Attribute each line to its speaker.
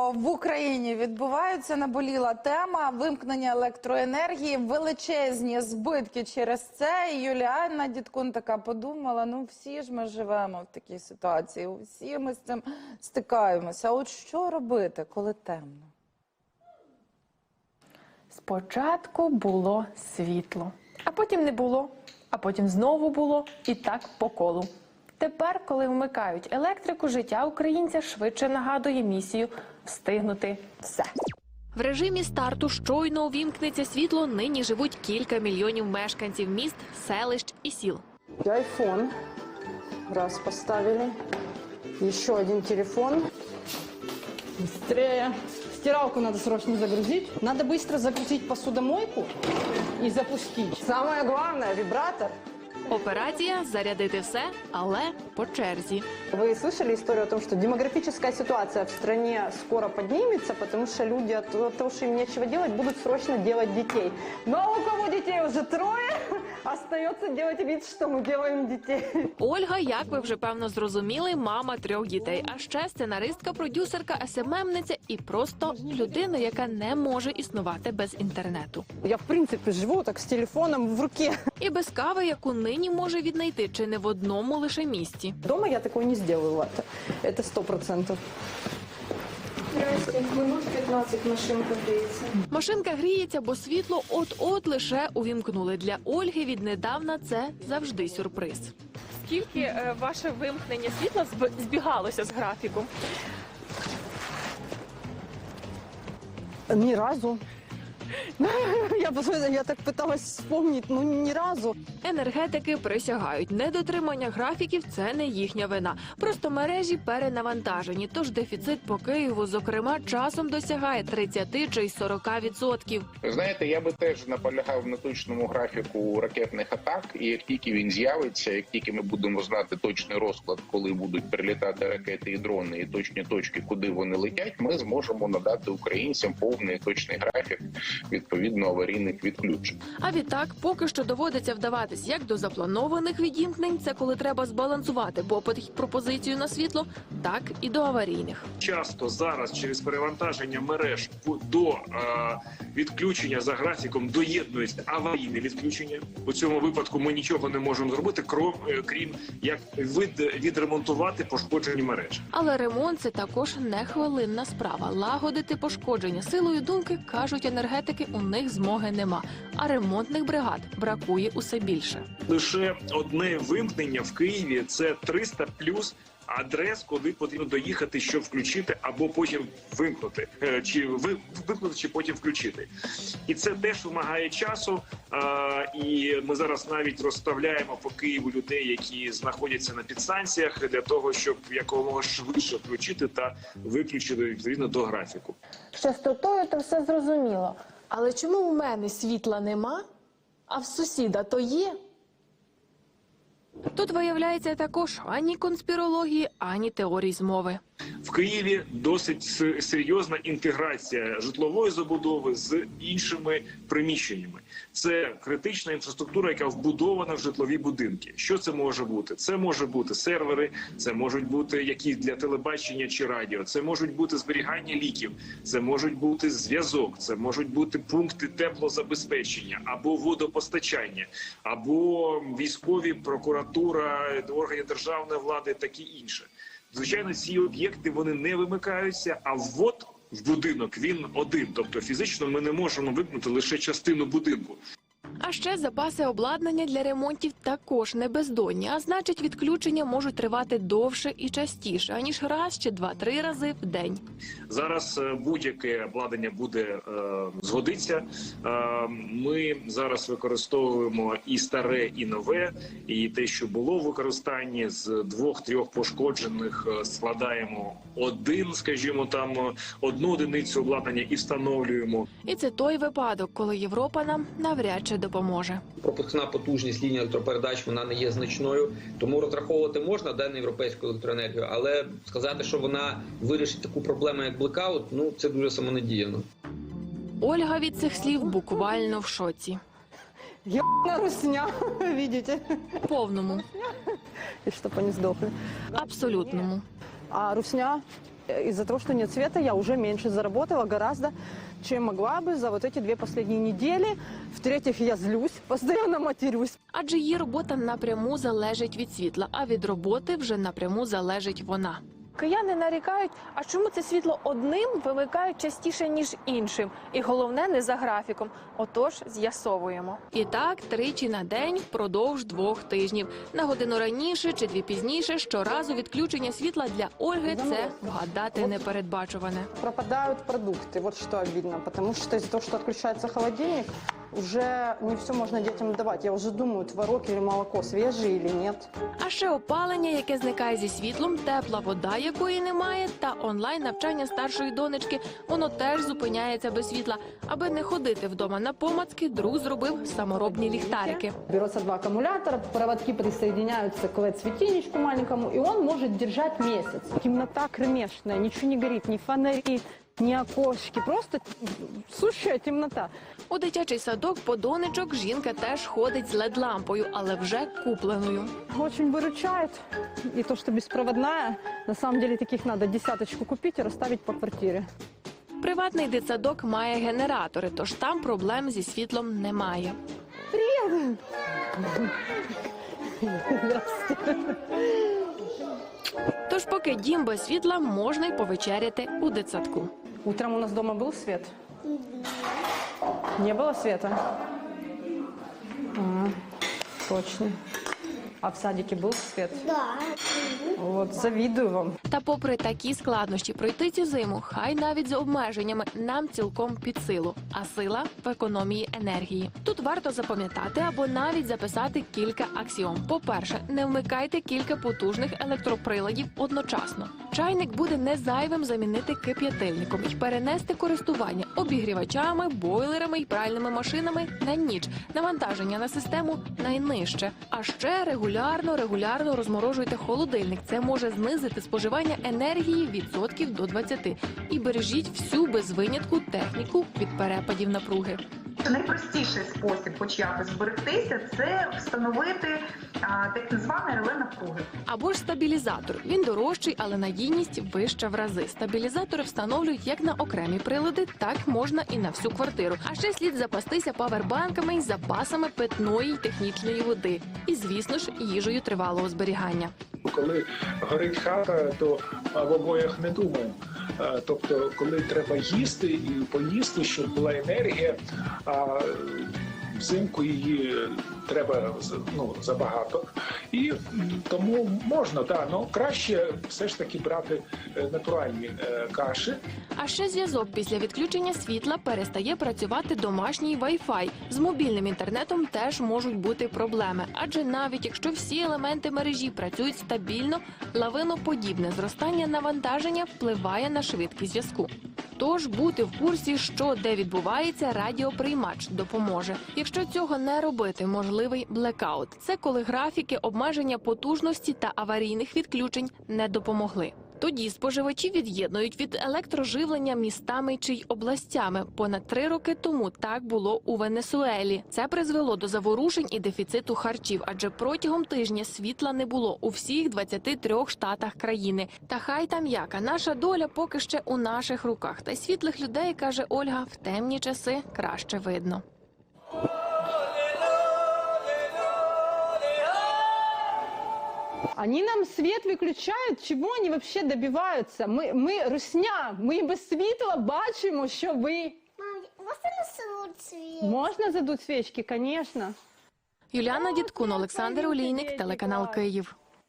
Speaker 1: в Україні відбуваються, наболіла тема вимкнення електроенергії, величезні збитки через це. І Юліана Дідкун така подумала, ну всі ж ми живемо в такій ситуації, всі ми з цим стикаємося. А от що робити, коли темно?
Speaker 2: Спочатку було світло, а потім не було, а потім знову було і так по колу. Тепер, коли вмикають електрику, життя українця швидше нагадує місію встигнути все.
Speaker 3: В режимі старту щойно увімкнеться світло, нині живуть кілька мільйонів мешканців міст, селищ і сіл.
Speaker 4: Айфон. Раз поставили. Еще один телефон. Быстрее. Стиралку надо срочно загрузить. Надо быстро загрузить посудомойку и запустить. Самое главное – вибратор.
Speaker 3: Операція – зарядити все, але по черзі.
Speaker 4: Вы слышали историю о том, что демографическая ситуация в стране скоро поднимется, потому что люди от того, что им нечего делать, будут срочно делать детей. Но у кого детей уже трое, остается делать вид, что мы делаем детей.
Speaker 3: Ольга, як ви вже певно зрозуміли, мама 3 дітей, а ще сценаристка, продюсерка, СММниця і просто людина, яка не може існувати без інтернету.
Speaker 4: Я, в принципе, живу так с телефоном в руке.
Speaker 3: І без кави, яку нині може віднайти чи не в одному лише місті.
Speaker 4: Дома я такое не сделаю, Лата. Это 100%. Минут 15 машинка греется.
Speaker 3: Машинка гріється, бо світло от-от лише увімкнули. Для Ольги віднедавна це завжди сюрприз.
Speaker 2: Скільки ваше вимкнення світла збігалося з графіком?
Speaker 4: Ни разу. Я так пыталась вспомнить, ну ни разу.
Speaker 3: Енергетики присягають, недотримання графіків – це не їхня вина. Просто мережі перенавантажені, тож дефіцит по Києву, зокрема, часом досягає 30 чи й 40%.
Speaker 5: Знаєте, я би теж наполягав на точному графіку ракетних атак, і як тільки він з'явиться, як тільки ми будемо знати точний розклад, коли будуть прилітати ракети і дрони, і точні точки, куди вони летять, ми зможемо надати українцям повний і точний графік, відповідно аварійних відключень.
Speaker 3: А відтак, поки що доводиться вдаватись як до запланованих відімкнень, це коли треба збалансувати попит і пропозицію на світло, так і до аварійних.
Speaker 6: Часто зараз через перевантаження мереж до відключення за графіком доєднується аварійне відключення. У цьому випадку ми нічого не можемо зробити, крім як відремонтувати пошкоджені мережі.
Speaker 3: Але ремонт – це також не хвилинна справа. Лагодити пошкодження силою думки, кажуть енергетики, у них змоги нема. А ремонтних бригад бракує усе більше.
Speaker 6: Лише одне вимкнення в Києві – це 300 плюс адрес, куди потрібно доїхати, щоб включити, або потім вимкнути, чи вимкнути, чи потім включити. І це теж вимагає часу, і ми зараз навіть розставляємо по Києву людей, які знаходяться на підстанціях, для того, щоб якомога швидше включити та виключити відповідно до графіку.
Speaker 2: З частотою то все зрозуміло. Але чому у мене світла нема, а в сусіда то є?
Speaker 3: Тут виявляється також ані конспірології, ані теорій змови.
Speaker 6: В Києві досить серйозна інтеграція житлової забудови з іншими приміщеннями. Це критична інфраструктура, яка вбудована в житлові будинки. Що це може бути? Це може бути сервери, це можуть бути якісь для телебачення чи радіо, це можуть бути зберігання ліків, це можуть бути зв'язок, це можуть бути пункти теплозабезпечення або водопостачання, або військові, прокуратура, органи державної влади, такі інше. Звичайно, ці об'єкти, вони не вимикаються, а ввод в будинок, він один. Тобто фізично ми не можемо вимкнути лише частину будинку.
Speaker 3: А ще запаси обладнання для ремонтів також не бездонні, а значить відключення можуть тривати довше і частіше, аніж раз чи 2-3 рази в день.
Speaker 6: Зараз будь-яке обладнання буде згодиться. Ми зараз використовуємо і старе, і нове, і те, що було в використанні, з 2-3 пошкоджених складаємо одну одиницю обладнання і встановлюємо.
Speaker 3: І це той випадок, коли Європа нам навряд чи допоможе.
Speaker 7: Пропускна потужність лінії електропередач, вона не є значною, тому розраховувати можна на європейську електроенергію, але сказати, що вона вирішить таку проблему, як блекаут, ну це дуже самонадіяно.
Speaker 3: Ольга від цих слів буквально в шоці.
Speaker 4: Ебаная русня, видите?
Speaker 3: Повному.
Speaker 4: И чтоб они сдохли.
Speaker 3: Абсолютному.
Speaker 4: А русня Из-за того, что нет света, я уже меньше заработала гораздо, чем могла бы за вот эти 2 последние недели. В-третьих, я злюсь, постоянно матерюсь.
Speaker 3: Адже її робота напряму залежить від світла, а від роботи вже напряму залежить вона.
Speaker 2: Кияни нарікають, а чому це світло одним вимикають частіше, ніж іншим? І головне, не за графіком. Отож, з'ясовуємо.
Speaker 3: І так, тричі на день впродовж 2 тижнів. На годину раніше чи 2 пізніше, щоразу відключення світла для Ольги – це вгадати непередбачуване.
Speaker 4: Пропадают продукты, вот что обидно, потому что из-за того, что отключается холодильник, уже не все можно детям давать. Я уже думаю, творог или молоко свежие или нет.
Speaker 3: А ще опалення, яке зникає зі світлом, тепла вода, якої немає, та онлайн-навчання старшої донечки. Воно теж зупиняється без світла. Аби не ходити вдома на помацки, друг зробив саморобні ліхтарики.
Speaker 4: Берется 2 аккумулятора, проводки присоединяются к LED-светильничку маленькому, и он может держать месяц. Темнота кромешная, ничего не горит, ни фонари, ни окошки, просто сущая темнота.
Speaker 3: У дитячий садок по донечок жінка теж ходить з LED-лампою, але вже купленою.
Speaker 4: Очень выручает. И то, что беспроводная, на самом деле таких надо 10 купить и расставить по квартире.
Speaker 3: Приватний дитсадок має генератори, тож там проблем зі світлом немає. Тож поки дім без світла, можна й повечеряти у дитсадку.
Speaker 4: Утром у нас дома был свет? Не было света? Точно. А в садике был свет? Да. Вот, завидую вам.
Speaker 3: Та попри такі складнощі пройти цю зиму, хай навіть з обмеженнями, нам цілком під силу. А сила в економії енергії. Тут варто запам'ятати або навіть записати кілька аксіом. По-перше, не вмикайте кілька потужних електроприладів одночасно. Чайник буде не зайвим замінити кип'ятильником і перенести користування обігрівачами, бойлерами і пральними машинами на ніч. Навантаження на систему найнижче. А ще регулярно розморожуйте холодильник. Це може знизити споживання енергії відсотків до 20. І бережіть всю без винятку техніку від перепадів напруги.
Speaker 8: Найпростіший спосіб хоч якось зберегтися – це встановити так зване реле напруги.
Speaker 3: Або ж стабілізатор. Він дорожчий, але надійність вища в рази. Стабілізатори встановлюють як на окремі прилади, так можна і на всю квартиру. А ще слід запастися павербанками й запасами питної й технічної води. І, звісно ж, їжею тривалого зберігання.
Speaker 9: Коли горить хата, то в обоях не думаємо. Тобто, коли треба їсти і поїсти, щоб була енергія, а взимку її треба забагато. І тому можна, але краще все ж таки брати натуральні каші.
Speaker 3: А ще зв'язок після відключення світла перестає працювати домашній Wi-Fi. З мобільним інтернетом теж можуть бути проблеми. Адже навіть якщо всі елементи мережі працюють стабільно, лавиноподібне зростання навантаження впливає на швидкість зв'язку. Тож бути в курсі, що де відбувається, радіоприймач допоможе. Якщо цього не робити, можливий блекаут. Це коли графіки обмеження потужності та аварійних відключень не допомогли. Тоді споживачі від'єднують від електроживлення містами чи й областями. Понад 3 роки тому так було у Венесуелі. Це призвело до заворушень і дефіциту харчів, адже протягом тижня світла не було у всіх 23 штатах країни. Та хай там яка, наша доля поки ще у наших руках. Та й світлих людей, каже Ольга, в темні часи краще видно.
Speaker 4: Они нам свет выключают, чего они вообще добиваются? Мы русня, ми без світла бачимо, що ви...
Speaker 10: Можна задуть свічки?
Speaker 4: Можна задуть свічки, звісно.
Speaker 3: Юліана Дідкун, Олександр Олійник, телеканал Київ.